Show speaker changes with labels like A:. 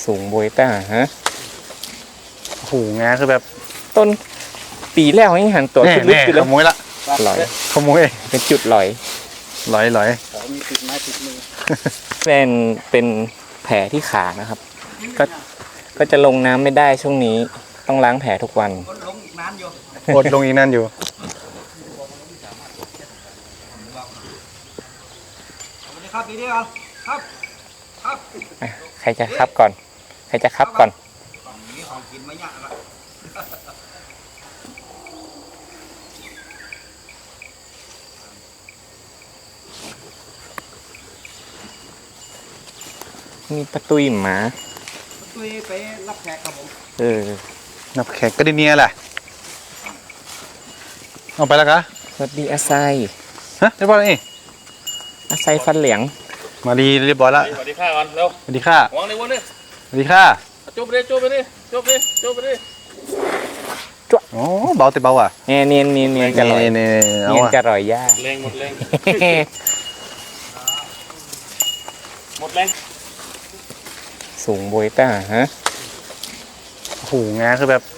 A: สูงโบยต้าฮะ
B: โอ้โหงาคือแบบ
A: ต้นปีแล้วยังหันตัวขึ้นลึกอยู่เลย
B: ขโมยละ
A: ลอย
B: ขโมย
A: เป็นจุดลอย
B: ลอย
C: มีติดไม้ติดมือ
A: เป็นแผลที่ขานะครับก็จะลงน้ำไม่ได้ช่วงนี้ต้องล้างแผลทุกวัน
C: ลงอีกนานอยู่
B: อดลงอีกนั่นอยู่
C: สวัสดีครับพี่เดียวครับครับ
A: ใครจะครับก่อนใครจะครับก่อน
C: ฝั่งนี้ของกินไม่ยากละ
A: มีประตูหมา
C: ตุ้ยไปรับแขกครับผม
B: นับแขกก็ได้เนียแหละเอาไปแล้วกะ
A: สวัสดีอาไซ
B: ฮะเรียบร้อยนี่
A: อาไซฟันเหลียง
B: มาดีเรียบร้อยละ
D: สวัสดีค่ะก่อนเร็ว
B: สวัสดีค่ะ
D: วางในวันนี้
B: สวัสดีค่ะ
D: จุบไปดิจุบไปดิจุบไปดิจุบไปดิ
B: โอ้เบาแต่เบาอ่ะ
A: เนียนจะลอย
B: เนี่ยเอา
A: เนียน
B: อ่ะ
A: จะลอยยาก
D: แรงหมดแรงหมดแรง
A: สูงโบยต้าฮะ
B: โอ้โหงาคือแบบ